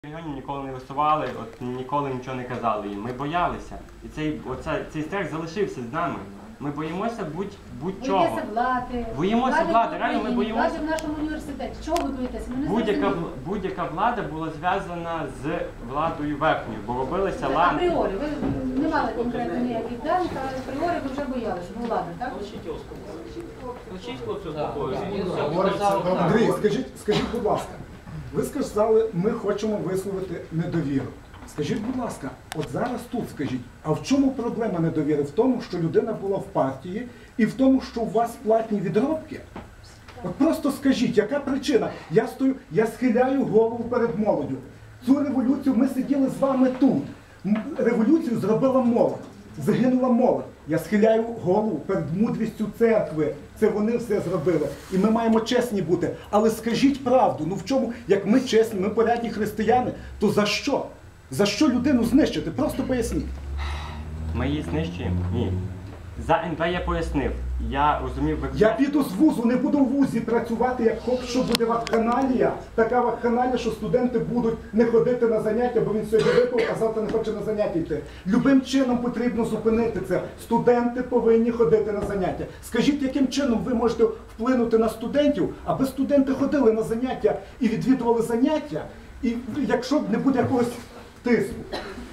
Регіонів ніколи не висували, ніколи нічого не казали їм. Ми боялися. І цей страх залишився з нами. Ми боїмося будь-чого. Боїмося влади. Боїмося влади, реально ми боїмося. Влади в нашому університеті. Чого ви боїтеся? Будь-яка влада була зв'язана з владою верхньою, бо робилися ланки. Апріорі. Ви не мали конкретно ніяких даних, а апріорі ви вже боялися влади, так? Андрій, скажіть, будь ласка, ви сказали, ми хочемо висловити недовіру. Скажіть, будь ласка, от зараз тут скажіть, а в чому проблема недовіри? В тому, що людина була в партії і в тому, що у вас платні відробки? От просто скажіть, яка причина? Я схиляю голову перед молоддю. Цю революцію ми сиділи з вами тут. Революцію зробила молодь. Загинула молодь. Я схиляю голову перед мудрістю церкви. Це вони все зробили. І ми маємо чесні бути. Але скажіть правду, ну в чому, як ми чесні, ми порядні християни, то за що? За що людину знищити? Просто поясніть. Ми її знищуємо? Ні. За НВ я пояснив. Я розумів... Я піду з вузу, не буду в вузі працювати, як що буде вакханалія. Така вакханалія, що студенти будуть не ходити на заняття, бо він сьогодні випив, а завтра не хоче на заняття йти. Любим чином потрібно зупинити це. Студенти повинні ходити на заняття. Скажіть, яким чином ви можете вплинути на студентів, аби студенти ходили на заняття і відвідували заняття, і якщо не буде якогось тиску.